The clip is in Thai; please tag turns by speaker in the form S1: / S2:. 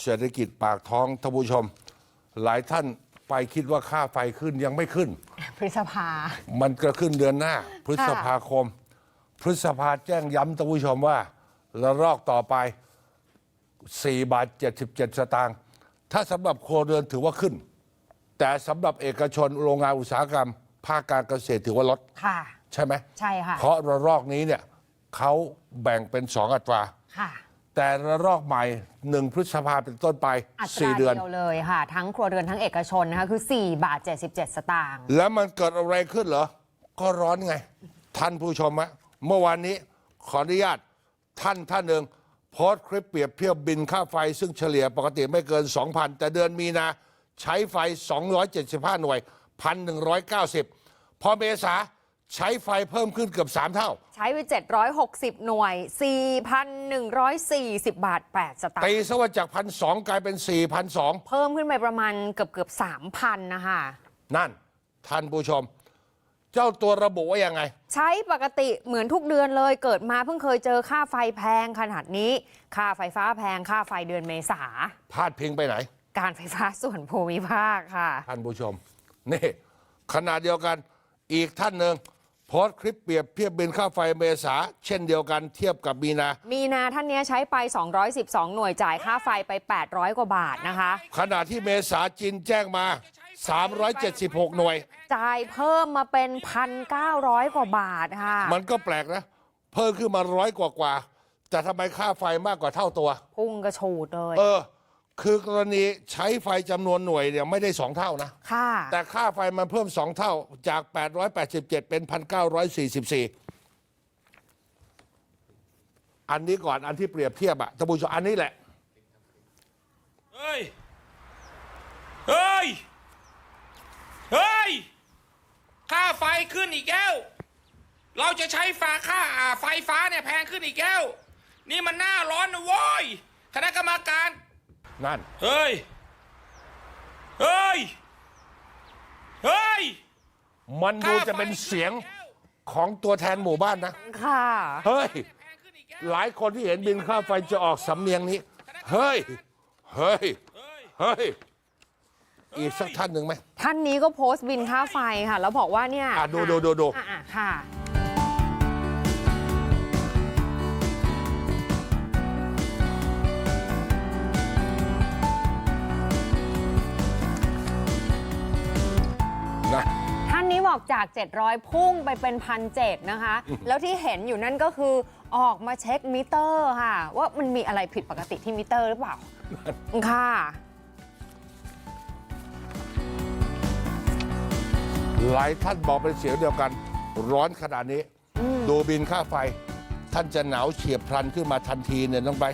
S1: เศรษฐกิจปากท้องท่านผู้ชม หลายท่านไปคิดว่าค่าไฟขึ้นยังไม่ขึ้น
S2: พฤษภา
S1: มันก็ขึ้นเดือนหน้า พฤษภาคม พฤษภาแจ้งย้ำท่านผู้ชมว่าระลอกต่อไป4 บาท 77 สตางค์ถ้าสำหรับครัวเรือนถือว่าขึ้น แต่สำหรับเอกชนโรงงานอุตสาหกรรม ภาคการเกษตรถือว่าลด
S2: ค่ะ
S1: ใช่ไหม
S2: ใช่ค่ะ
S1: เพราะระลอกนี้เนี่ยเขาแบ่งเป็น2 อัตรา
S2: ค่ะ
S1: แต่ระลอกใหม่1 พฤษภาเป็นต้นไป
S2: อัตรา
S1: 4 เดือน
S2: เดียวเลยค่ะ ทั้งครัวเรือนทั้งเอกชนนะคะคือ4 บาท 77 สตางค์
S1: แล้วมันเกิดอะไรขึ้นเหรอ ก็ร้อนไง ท่านผู้ชมฮะเมื่อวานนี้ขออนุญาตท่านหนึ่งโพสต์คลิปเปรียบเทียบบินค่าไฟซึ่งเฉลี่ยปกติไม่เกิน 2,000 แต่เดือนมีนาใช้ไฟ 275 หน่วย 1,190 พอเมษาใช้ไฟเพิ่มขึ้นเกือบ 3 เท่า
S2: ใช้ไป760 หน่วย 4,140 บาท 8 สตาง
S1: ตี
S2: ค์
S1: ซะว่าจาก 1,200 กลายเป็น 4,200
S2: เพิ่มขึ้นไปประมาณเกือบ 3,000 นะคะ
S1: นั่นท่านผู้ชม เจ้าตัวระบุว่ายังไง
S2: ใช้ปกติเหมือนทุกเดือนเลยเกิดมาเพิ่งเคยเจอค่าไฟแพงขนาดนี้ ค่าไฟฟ้าแพงค่าไฟเดือนเมษา
S1: พาดพิงไปไหน
S2: การไฟฟ้าส่วนภูมิภาคค่ะ
S1: ท่านผู้ชม นี่ขณะเดียวกันอีกท่านหนึ่งโพสต์คลิปเปรียบเทียบบินค่าไฟเมษาเช่นเดียวกันเทียบกับมีนา
S2: มีนาท่านเนี้ยใช้ไป 212 หน่วยจ่ายค่าไฟไป 800 กว่าบาทนะคะ
S1: ขณะที่เมษาจีนแจ้งมา 376 หน่วย
S2: จ่ายเพิ่มมาเป็น 1,900 กว่าบาทค่ะ
S1: มันก็แปลกนะ เพิ่มขึ้นมา100 กว่าแต่ทำไมค่าไฟมากกว่าเท่าตัว
S2: พุ่งกระฉูดเลย
S1: คือกรณีใช้ไฟจำนวนหน่วยเนี่ยไม่ได้2 เท่านะ
S2: ค่ะ
S1: แต่ค่าไฟมันเพิ่ม2 เท่าจาก 887 เป็น 1,944 อันนี้ก่อนอันที่เปรียบเทียบอะท่านผู้ชมอันนี้แหละ
S3: เฮ้ย เฮ้ย เฮ้ย ค่าไฟขึ้นอีกแล้ว เราจะใช้ไฟฟ้าเนี่ยแพงขึ้นอีกแล้ว นี่มันหน้าร้อนนะโว้ย คณะกรรมการ
S1: นั่น
S3: เฮ้ย เฮ้ย เฮ้ย
S1: มันดูจะเป็นเสียงของตัวแทนหมู่บ้านนะ
S2: ค่ะ
S1: เฮ้ย หลายคนที่เห็นบินค่าไฟจะออกสำเนียงนี้ เฮ้ย เฮ้ย เฮ้ย อีกสักท่านหนึ่งไหม
S2: ท่านนี้ก็โพสต์บินค่าไฟค่ะ แล้วบอกว่าเนี่ย
S1: ดู
S2: ค่ะ
S1: นะ
S2: ท่านนี้บอกจาก 700 พุ่งไปเป็น 1,700 นะคะ แล้วที่เห็นอยู่นั่นก็คือออกมาเช็คมิเตอร์ค่ะ ว่ามันมีอะไรผิดปกติที่มิเตอร์หรือเปล่า ค่ะ
S1: หลายท่านบอกเป็นเสียงเดียวกัน ร้อนขนาดนี้ ดูบินค่าไฟ ท่านจะหนาวเฉียบพลันขึ้นมาทันทีเนี่ยน้องไบร์ท